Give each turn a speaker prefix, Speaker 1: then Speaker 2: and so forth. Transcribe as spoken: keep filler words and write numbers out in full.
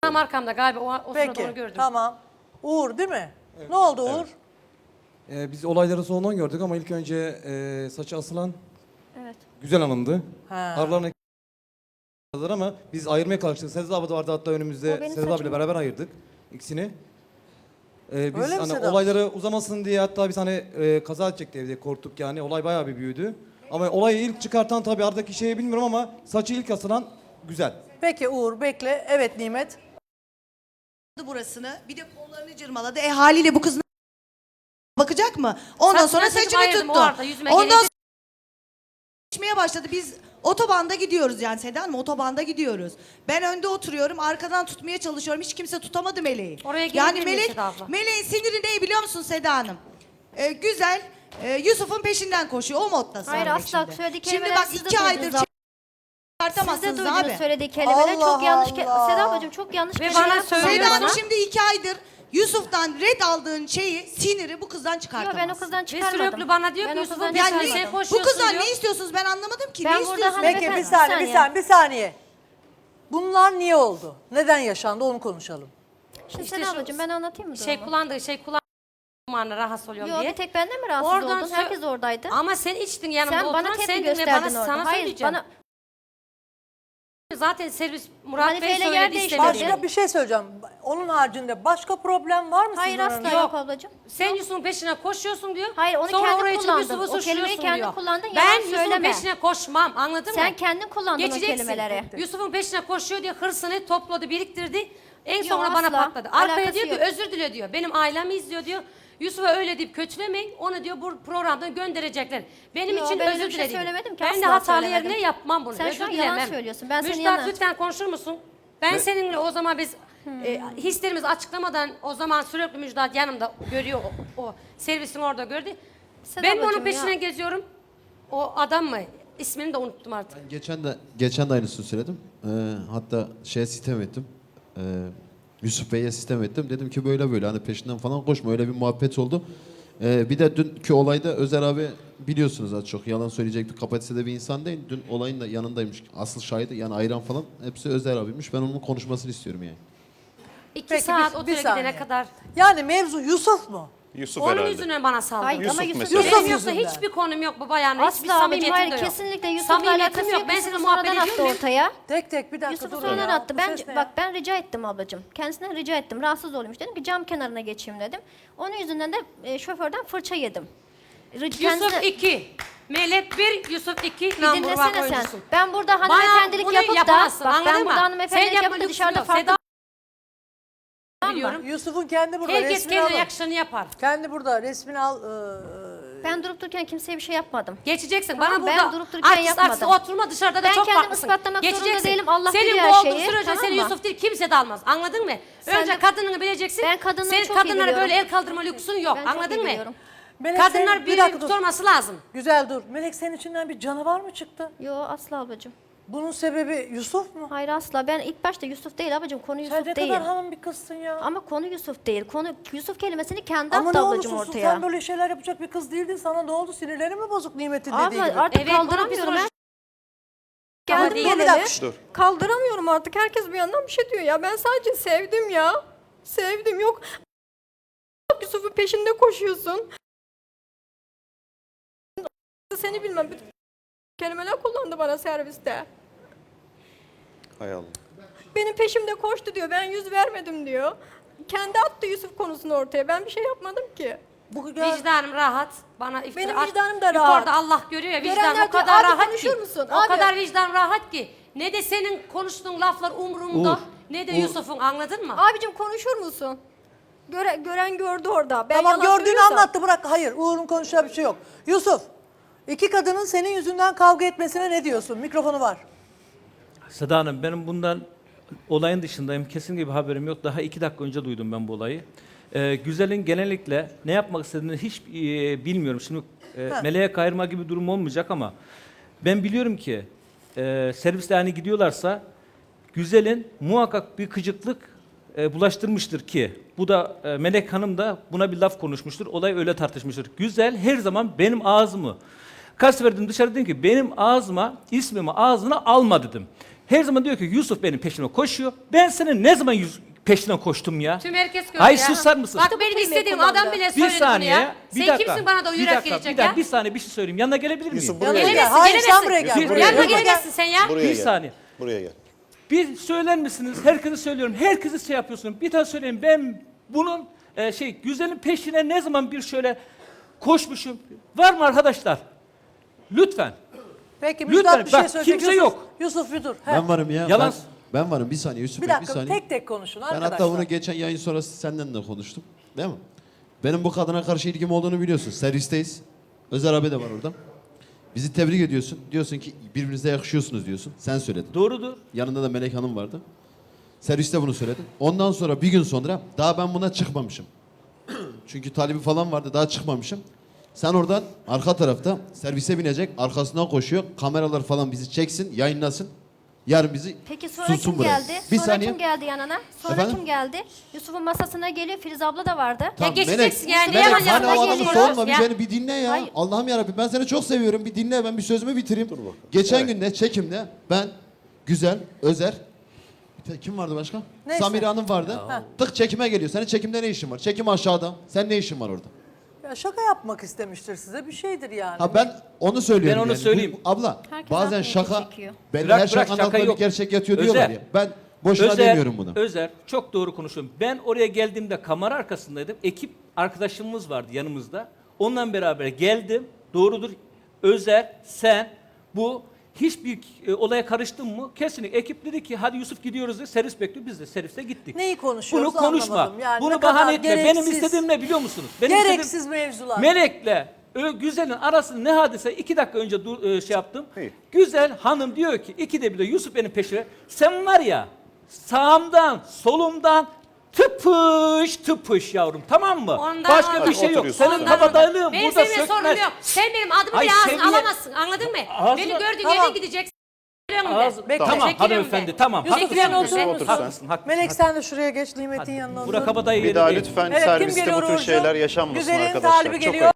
Speaker 1: tam arkamda galiba o, o sırada onu
Speaker 2: Peki
Speaker 1: gördüm.
Speaker 2: tamam. Uğur değil mi? Ne oldu Uğur?
Speaker 3: Ee, biz olayları sonradan gördük ama ilk önce e, saçı asılan
Speaker 4: Evet.
Speaker 3: güzel hanımdı.
Speaker 2: Ha.
Speaker 3: Aralarına ama biz ayırmaya kalkıştık. Sedat abi de vardı hatta
Speaker 4: O
Speaker 3: önümüzde.
Speaker 4: benim
Speaker 3: Sedat abiyle
Speaker 4: saçım.
Speaker 3: beraber ayırdık ikisini. Ee, biz
Speaker 2: Öyle mi
Speaker 3: hani
Speaker 2: Sedat?
Speaker 3: olayları uzamasın diye hatta biz hani e, kaza edecekti evde korktuk yani. Olay bayağı bir büyüdü. Ama olayı ilk çıkartan tabii aradaki şeyi bilmiyorum ama saçı ilk asılan güzel.
Speaker 2: Peki Uğur bekle. Evet Nimet.
Speaker 5: Burasını bir de kollarını cırmaladı. E haliyle bu kız bakacak mı? Ondan
Speaker 1: Saçını
Speaker 5: sonra
Speaker 1: çekip
Speaker 5: saçını
Speaker 1: ayırdım,
Speaker 5: tuttu.
Speaker 1: o arada yüzüme
Speaker 5: Ondan
Speaker 1: gelince-
Speaker 5: sonra geçmeye başladı. Biz otobanda gidiyoruz yani Seda Hanım, otobanda gidiyoruz. Ben önde oturuyorum, arkadan tutmaya çalışıyorum. Hiç kimse tutamadı Meleği.
Speaker 1: Oraya
Speaker 5: yani
Speaker 1: gelebilir miyim
Speaker 5: Melek,
Speaker 1: Seda abla?
Speaker 5: Meleğin siniri ne biliyor musun Seda Hanım? Ee, güzel, e, Yusuf'un peşinden koşuyor. O modda
Speaker 4: Hayır,
Speaker 5: Melek
Speaker 4: asla
Speaker 5: şimdi.
Speaker 4: söylediği
Speaker 5: Şimdi
Speaker 4: kelimeler
Speaker 5: bak
Speaker 4: siz de
Speaker 5: iki aydır
Speaker 4: duydunuz abla. Siz de
Speaker 5: çıkartamazsınız
Speaker 4: duydunuz
Speaker 5: abi.
Speaker 4: söylediği kelimeler.
Speaker 2: Allah
Speaker 4: Çok yanlış. Ke
Speaker 2: Allah.
Speaker 4: Seda ablacığım çok yanlış
Speaker 1: Ve
Speaker 4: kelimeler
Speaker 1: bana söylüyor
Speaker 5: Seda Hanım
Speaker 1: bana.
Speaker 5: şimdi iki aydır Yusuf'tan red aldığın şeyi, siniri bu kızdan
Speaker 4: Yok
Speaker 5: çıkartamazsın.
Speaker 4: ben o kızdan
Speaker 1: Ve
Speaker 4: çıkarmadım.
Speaker 1: sürekli bana diyor
Speaker 4: Ben
Speaker 1: ki
Speaker 4: o
Speaker 1: Yusuf'un
Speaker 4: kızdan
Speaker 1: bir
Speaker 5: Yani
Speaker 1: tane
Speaker 4: çıkarmadım.
Speaker 1: şey
Speaker 5: bu
Speaker 1: koşuyorsun
Speaker 5: kızdan
Speaker 1: diyor.
Speaker 5: ne istiyorsunuz ben anlamadım ki.
Speaker 4: Ben
Speaker 5: ne
Speaker 4: burada
Speaker 5: istiyorsunuz?
Speaker 4: hani-
Speaker 2: Peki bir
Speaker 4: Hanımefendi,
Speaker 2: saniye, bir
Speaker 4: bir
Speaker 2: saniye, bir
Speaker 4: saniye.
Speaker 2: saniye. Bunlar niye oldu? Neden yaşandı onu konuşalım.
Speaker 4: Şimdi
Speaker 1: İşte
Speaker 4: Seda
Speaker 1: şu
Speaker 4: ablacığım ben anlatayım mı
Speaker 1: Şey
Speaker 4: durumu?
Speaker 1: kullandığı şey kullandığı rahatsız oluyorum
Speaker 4: Yok
Speaker 1: diye.
Speaker 4: bir tek benden mi rahatsız
Speaker 1: Oradan
Speaker 4: oldun?
Speaker 1: sö-
Speaker 4: Herkes oradaydı.
Speaker 1: Ama sen içtin yanımda
Speaker 4: Sen
Speaker 1: oturan
Speaker 4: bana tepki
Speaker 1: sendin ve
Speaker 4: gösterdin
Speaker 1: bana
Speaker 4: orada.
Speaker 1: sana
Speaker 4: Hayır
Speaker 1: söyleyeceğim.
Speaker 4: bana
Speaker 1: Zaten servis Murat Bey
Speaker 4: Manifeyle yer
Speaker 1: söyledi
Speaker 4: değiştirdi.
Speaker 1: istedi.
Speaker 2: Başka bir şey söyleyeceğim. Onun haricinde başka problem var mı
Speaker 4: hayır
Speaker 2: sizin
Speaker 4: asla
Speaker 2: aranızda?
Speaker 4: yok ablacığım.
Speaker 1: Sen Yusuf'un peşine koşuyorsun diyor.
Speaker 4: Hayır, onu
Speaker 1: Sonra
Speaker 4: kendin
Speaker 1: oraya çıkıp
Speaker 4: kullandın.
Speaker 1: Yusuf'u
Speaker 4: O kelimeyi
Speaker 1: suçluyorsun
Speaker 4: kendin
Speaker 1: diyor.
Speaker 4: kullandın,
Speaker 1: Ben
Speaker 4: yalan
Speaker 1: Yusuf'un
Speaker 4: söyleme.
Speaker 1: peşine koşmam anladın mı?
Speaker 4: Sen kendin kullandın o
Speaker 1: Geçeceksin.
Speaker 4: kelimeleri.
Speaker 1: Yusuf'un peşine koşuyor diyor hırsını topladı biriktirdi. En
Speaker 4: Yok,
Speaker 1: sonra bana
Speaker 4: asla.
Speaker 1: patladı. Arkaya
Speaker 4: Alakası
Speaker 1: diyor ki
Speaker 4: yok.
Speaker 1: özür dile diyor. Benim ailemi izliyor diyor. Yusuf'a öyle deyip kötülemeyin. Onu diyor bu programdan gönderecekler. Benim
Speaker 4: Yo,
Speaker 1: için
Speaker 4: ben öyle
Speaker 1: özür
Speaker 4: bir şey
Speaker 1: diledim.
Speaker 4: söylemedim ki,
Speaker 1: Ben de
Speaker 4: asla
Speaker 1: hatalı
Speaker 4: söylemedim.
Speaker 1: yerine yapmam bunu.
Speaker 4: Sen
Speaker 1: özür
Speaker 4: şu an yalan
Speaker 1: dilemem.
Speaker 4: söylüyorsun. Ben senin
Speaker 1: Müjdat
Speaker 4: yanına-
Speaker 1: lütfen konuşur musun? Ben seninle o zaman biz e, hislerimizi açıklamadan o zaman sürekli Müjdat yanımda görüyor o, o servisin orada gördü.
Speaker 4: Seda
Speaker 1: Ben de onun
Speaker 4: ablacığım
Speaker 1: peşine
Speaker 4: ya.
Speaker 1: geziyorum. O adam mı? İsmini de unuttum artık.
Speaker 6: Geçen de geçen de aynısını söyledim. Ee, hatta şeye sitem ettim. Ee, Yusuf Bey'e sitem ettim. Dedim ki böyle böyle hani peşinden falan koşma öyle bir muhabbet oldu. Ee, bir de dünkü olayda Özer abi biliyorsunuz az çok yalan söyleyecek bir kapasitede bir insan değil. Dün olayın da yanındaymış. Asıl şahidi yani ayran falan hepsi Özer abiymiş. Ben onun konuşmasını istiyorum yani.
Speaker 1: İki
Speaker 2: Peki,
Speaker 1: saat
Speaker 2: bir- bir
Speaker 1: otele
Speaker 2: saniye.
Speaker 1: gidene kadar.
Speaker 2: Yani mevzu Yusuf mu?
Speaker 7: Yusuf
Speaker 1: Onun
Speaker 7: herhalde.
Speaker 1: yüzünden bana saldırdı.
Speaker 4: Hayır ama
Speaker 7: Yusuf
Speaker 4: Yusuf
Speaker 7: mesela.
Speaker 2: Yusuf
Speaker 1: Benim yoksa
Speaker 2: yüzünden.
Speaker 1: hiçbir konum yok bu bayanla. Hiçbir
Speaker 4: Asla ablacığım
Speaker 1: samimiyetim
Speaker 4: hayır
Speaker 1: de yok.
Speaker 4: kesinlikle Yusuf'la
Speaker 1: Samimiyetim
Speaker 4: alakası
Speaker 1: yok.
Speaker 4: yok.
Speaker 1: Ben
Speaker 4: Yusuf'u
Speaker 1: seninle muhabbet
Speaker 4: sonradan
Speaker 1: ediyor
Speaker 4: attı
Speaker 1: muyum?
Speaker 4: ortaya.
Speaker 2: Tek tek bir dakika
Speaker 4: Yusuf'u
Speaker 2: durun
Speaker 4: sonradan
Speaker 2: ya.
Speaker 4: attı.
Speaker 2: Bu
Speaker 4: Ben
Speaker 2: ses ne
Speaker 4: bak
Speaker 2: ya?
Speaker 4: ben rica ettim ablacığım. Kendisinden rica ettim. Rahatsız oluyormuş dedim ki cam kenarına geçeyim dedim. Onun yüzünden de e, şoförden fırça yedim. Ri-
Speaker 1: Yusuf
Speaker 4: kendisine-
Speaker 1: iki. Melek bir, Yusuf iki.
Speaker 4: Bir
Speaker 1: number one
Speaker 4: dinlesene sen.
Speaker 1: oyuncusu.
Speaker 4: Ben burada
Speaker 1: Bana
Speaker 4: hanımefendilik
Speaker 1: bunu
Speaker 4: yapıp da
Speaker 1: yapamazsın,
Speaker 4: bak
Speaker 1: anladın
Speaker 4: ben
Speaker 1: mı?
Speaker 4: burada
Speaker 1: Sen
Speaker 4: hanımefendilik
Speaker 1: yapma,
Speaker 4: yapıp da dışarıda
Speaker 1: lüksün yok.
Speaker 4: farklı
Speaker 1: Biliyorum.
Speaker 2: Yusuf'un kendi burada
Speaker 1: Herkes
Speaker 2: resmini
Speaker 1: kendine
Speaker 2: alın.
Speaker 1: yakışanı yapar.
Speaker 2: Kendi burada resmini al. Ee,
Speaker 4: ben durup dururken kimseye bir şey yapmadım.
Speaker 1: Geçeceksin.
Speaker 4: Tamam,
Speaker 1: Bana
Speaker 4: ben
Speaker 1: burada
Speaker 4: durup dururken
Speaker 1: artist
Speaker 4: yapmadım.
Speaker 1: aksi oturma dışarıda da
Speaker 4: Ben
Speaker 1: çok
Speaker 4: kendimi
Speaker 1: farklısın.
Speaker 4: ispatlamak zorunda
Speaker 1: Geçeceksin.
Speaker 4: değilim. Allah
Speaker 1: Senin
Speaker 4: biliyor
Speaker 1: bu
Speaker 4: her
Speaker 1: olduğun
Speaker 4: şeyi,
Speaker 1: sürece
Speaker 4: tamam
Speaker 1: seni
Speaker 4: mı?
Speaker 1: Yusuf değil kimse de almaz. Anladın mı?
Speaker 4: Sen
Speaker 1: Önce
Speaker 4: de-
Speaker 1: kadınını bileceksin.
Speaker 4: Ben kadınları
Speaker 1: Senin
Speaker 4: çok iyi
Speaker 1: kadınlara böyle
Speaker 4: biliyorum.
Speaker 1: el kaldırma lüksün yok.
Speaker 4: Ben çok iyi
Speaker 1: Anladın mı?
Speaker 4: biliyorum.
Speaker 2: Melek
Speaker 1: Kadınlar
Speaker 2: senin- bir
Speaker 1: bir
Speaker 2: dakika dur.
Speaker 1: tutulması lazım.
Speaker 2: Güzel dur. Melek senin içinden bir canavar mı çıktı?
Speaker 4: Yo asla ablacığım.
Speaker 2: Bunun sebebi Yusuf mu?
Speaker 4: Hayır asla. Ben ilk başta Yusuf değil ablacığım. Konu
Speaker 2: Sen
Speaker 4: Yusuf
Speaker 2: ne
Speaker 4: değil.
Speaker 2: kadar hanım bir kızsın ya.
Speaker 4: Ama konu Yusuf değil. Konu Yusuf kelimesini kendi
Speaker 2: Ama
Speaker 4: attı
Speaker 2: ne
Speaker 4: ablacığım
Speaker 2: olursun
Speaker 4: ortaya.
Speaker 2: sen böyle şeyler yapacak bir kız değildin. Sana ne oldu? Sinirlerin mi bozuk Nimet'in dediği
Speaker 4: Abla
Speaker 2: gibi?
Speaker 4: artık
Speaker 1: Evet, bunun
Speaker 4: kaldıramıyorum.
Speaker 1: psikolojik-
Speaker 4: Her...
Speaker 1: Ama
Speaker 4: Geldim
Speaker 1: değil.
Speaker 2: Bir
Speaker 4: geleli.
Speaker 2: dakika.
Speaker 7: Dur.
Speaker 4: Kaldıramıyorum artık. Herkes bir yandan bir şey diyor ya. Ben sadece sevdim ya. Sevdim yok. Yusuf'un peşinde koşuyorsun. Seni bilmem. Bütün kelimeler kullandı bana serviste.
Speaker 7: Hay Allah.
Speaker 4: Benim peşimde koştu diyor. Ben yüz vermedim diyor. Kendi attı Yusuf konusunu ortaya. Ben bir şey yapmadım ki.
Speaker 2: Bu gel-
Speaker 1: Vicdanım rahat. Bana iftira
Speaker 4: Benim
Speaker 1: at-
Speaker 4: vicdanım da rahat.
Speaker 1: Yukarıda Allah görüyor ya vicdanım
Speaker 4: Görenler
Speaker 1: o kadar
Speaker 4: diyor, abi
Speaker 1: rahat
Speaker 4: konuşur
Speaker 1: ki.
Speaker 4: musun?
Speaker 1: O
Speaker 4: Abi.
Speaker 1: kadar vicdan rahat ki. Ne de senin konuştuğun laflar umurumda.
Speaker 6: Uğur,
Speaker 1: Ne de
Speaker 6: Uğur.
Speaker 1: Yusuf'un anladın mı?
Speaker 4: Abicim konuşur musun? Göre, gören gördü orada. Ben
Speaker 2: Tamam
Speaker 4: yalan
Speaker 2: gördüğünü
Speaker 4: söylüyorsam-
Speaker 2: anlattı bırak. Hayır Uğur'un konuşacağı bir şey yok. Yusuf, iki kadının senin yüzünden kavga etmesine ne diyorsun? Mikrofonu var.
Speaker 8: Seda Hanım benim bundan olayın dışındayım. Kesinlikle bir haberim yok. Daha iki dakika önce duydum ben bu olayı. Ee, Güzel'in genellikle ne yapmak istediğini hiç e, bilmiyorum. Şimdi e,
Speaker 2: Ha.
Speaker 8: meleğe kayırma gibi bir durum olmayacak ama ben biliyorum ki e, serviste hani gidiyorlarsa Güzel'in muhakkak bir gıcıklık e, bulaştırmıştır ki bu da e, Melek Hanım da buna bir laf konuşmuştur. Olay öyle tartışmıştır. Güzel her zaman benim ağzımı kaç sefer dedim dışarı dedim ki benim ağzıma ismimi ağzına alma dedim. Her zaman diyor ki Yusuf benim peşime koşuyor. Ben senin ne zaman yüz, peşine koştum ya?
Speaker 1: Tüm herkes görüyor
Speaker 8: Ay
Speaker 1: ya.
Speaker 8: susar mısın?
Speaker 1: Bak benim istediğim
Speaker 4: kullandı.
Speaker 1: adam bile
Speaker 8: Bir
Speaker 1: söyledi bunu
Speaker 8: saniye.
Speaker 1: ya.
Speaker 8: Bir
Speaker 1: Sen
Speaker 8: dakika.
Speaker 1: kimsin bana da
Speaker 8: bir
Speaker 1: yürek
Speaker 8: dakika,
Speaker 1: gelecek
Speaker 8: bir dakika,
Speaker 1: ya?
Speaker 8: Bir saniye bir şey söyleyeyim. Yanına gelebilir miyim?
Speaker 7: Yusuf buraya
Speaker 2: Yanına
Speaker 7: gel.
Speaker 2: gel. Hayır sen
Speaker 1: gelemezsin.
Speaker 2: buraya gel.
Speaker 8: Bir-
Speaker 2: buraya.
Speaker 1: Yanıma
Speaker 8: Buraya
Speaker 1: gelemezsin sen ya.
Speaker 7: Buraya
Speaker 8: Bir
Speaker 7: gel.
Speaker 8: saniye.
Speaker 7: Buraya gel.
Speaker 8: Bir söyler misiniz? Herkese söylüyorum. Herkese şey yapıyorsun. Bir tane söyleyeyim. Ben bunun e, şey güzelin peşine ne zaman bir şöyle koşmuşum. Var mı arkadaşlar? Lütfen.
Speaker 2: Peki
Speaker 8: Lütfen,
Speaker 2: Müjdat bir şey
Speaker 8: bak,
Speaker 2: söyleyecek.
Speaker 8: kimse
Speaker 2: Yusuf,
Speaker 8: yok.
Speaker 2: Yusuf bir dur. He.
Speaker 6: Ben varım ya.
Speaker 8: Yalan.
Speaker 6: Ben, ben varım. Bir saniye Yusuf
Speaker 2: Bir
Speaker 6: Bey, bir
Speaker 2: dakika
Speaker 6: saniye.
Speaker 2: tek tek konuşun
Speaker 6: Ben
Speaker 2: arkadaşlar.
Speaker 6: hatta bunu geçen yayın sonrası senden de konuştum. Değil mi? Benim bu kadına karşı ilgim olduğunu biliyorsun. Servisteyiz. Özer abi de var orada. Bizi tebrik ediyorsun. Diyorsun ki birbirinize yakışıyorsunuz diyorsun. Sen söyledin.
Speaker 8: Doğrudur.
Speaker 6: Yanında da Melek Hanım vardı. Serviste bunu söyledi. Ondan sonra bir gün sonra daha ben buna çıkmamışım. Çünkü talibi falan vardı, daha çıkmamışım. Sen oradan arka tarafta servise binecek, arkasından koşuyor. Kameralar falan bizi çeksin, yayınlasın. Yarın bizi
Speaker 9: Peki sonra
Speaker 6: sunsun
Speaker 9: kim
Speaker 6: buraya.
Speaker 9: geldi?
Speaker 6: Bir
Speaker 9: Sonra
Speaker 6: saniye.
Speaker 9: kim geldi yanına? Sonra
Speaker 6: Efendim?
Speaker 9: kim geldi? Yusuf'un masasına geliyor. Filiz abla da vardı.
Speaker 6: Tamam,
Speaker 1: geçeceksin yani,
Speaker 6: Melek,
Speaker 1: yalan
Speaker 6: hani
Speaker 1: yalan
Speaker 6: o adamı
Speaker 9: geliyor.
Speaker 6: sorma, bir
Speaker 1: Ya.
Speaker 6: beni bir dinle ya.
Speaker 9: Hayır.
Speaker 6: Allah'ım yarabbim, ben seni çok seviyorum. Bir dinle, ben bir sözümü bitireyim. Geçen
Speaker 7: Evet.
Speaker 6: günde çekimde ben, Güzel, Özer, bir te- kim vardı başka?
Speaker 2: Neyse.
Speaker 6: Samire Hanım vardı. Tık çekime geliyor. Senin çekimde ne işin var? Çekim aşağıda. Sen ne işin var orada?
Speaker 2: Ya şaka yapmak istemiştir size bir şeydir yani.
Speaker 6: Ha ben onu söylüyorum.
Speaker 8: Ben onu
Speaker 6: yani. Bu-
Speaker 8: söyleyeyim.
Speaker 6: abla
Speaker 9: Herkes
Speaker 6: bazen
Speaker 9: aklını
Speaker 6: şaka,
Speaker 9: çekiyor.
Speaker 6: ben
Speaker 8: Bırak,
Speaker 6: her
Speaker 8: bırak,
Speaker 6: şakanın
Speaker 8: şaka
Speaker 6: altında bir
Speaker 8: yok.
Speaker 6: gerçek yatıyor
Speaker 8: Özer.
Speaker 6: diyorlar ya. Ben boşuna
Speaker 8: Özer,
Speaker 6: demiyorum bunu.
Speaker 8: Özer, çok doğru konuşuyorum. Ben oraya geldiğimde kamera arkasındaydım. Ekip arkadaşımız vardı yanımızda. Onunla beraber geldim. Doğrudur. Özer, sen, bu hiçbir e, olaya karıştın mı? Kesinlikle. Ekip dedi ki hadi Yusuf gidiyoruz dedi. Servis bekliyor. Biz de serviste gittik.
Speaker 2: Neyi konuşuyoruz
Speaker 8: Bunu konuşma.
Speaker 2: anlamadım. Yani ne
Speaker 8: Bunu
Speaker 2: kadar
Speaker 8: bahane etme. Benim
Speaker 2: gereksiz-
Speaker 8: istediğim ne biliyor musunuz? Benim
Speaker 2: Gereksiz
Speaker 8: istediğim-
Speaker 2: mevzular.
Speaker 8: Melek'le Ö- Güzel'in arasında ne hadise? İki dakika önce dur, e, şey yaptım.
Speaker 7: İyi.
Speaker 8: Güzel hanım diyor ki ikide bir de Yusuf benim peşime. Sen var ya sağımdan solumdan tıpış tıpış yavrum, tamam mı?
Speaker 1: Ondan-
Speaker 8: Başka
Speaker 1: ondan-
Speaker 8: bir şey yok.
Speaker 7: Otur Yusuf.
Speaker 8: Senin
Speaker 1: Ondan-
Speaker 8: kabadayılığın
Speaker 1: Benim
Speaker 8: burada
Speaker 1: seninle sorunum
Speaker 8: sökmez.
Speaker 1: yok. Sen benim adımı
Speaker 8: Ay,
Speaker 1: bile ağzına
Speaker 8: seviye-
Speaker 1: alamazsın. Anladın mı?
Speaker 8: Ağzına-
Speaker 1: Beni gördüğün
Speaker 2: Tamam.
Speaker 1: yere gideceksin.
Speaker 8: Ağzı-
Speaker 2: Bekle.
Speaker 8: Tamam
Speaker 1: Çekiliyorum
Speaker 8: hanımefendi
Speaker 1: de.
Speaker 8: tamam.
Speaker 2: Yusuf,
Speaker 8: haklısın.
Speaker 2: sen
Speaker 7: Yusuf,
Speaker 2: otur.
Speaker 7: otur sen.
Speaker 8: Haklısın, haklısın.
Speaker 2: Melek sen de şuraya geç Nimet'in yanına otur.
Speaker 8: Bura kabadayı
Speaker 7: Bir
Speaker 8: yeri
Speaker 7: daha
Speaker 8: değil.
Speaker 7: lütfen
Speaker 2: Evet, kim
Speaker 7: serviste
Speaker 2: geliyor
Speaker 7: bu tür
Speaker 2: Uğurcuğum?
Speaker 7: şeyler yaşanmasın
Speaker 2: Güzelin
Speaker 7: arkadaşlar.
Speaker 2: talibi
Speaker 7: Çok
Speaker 2: geliyor.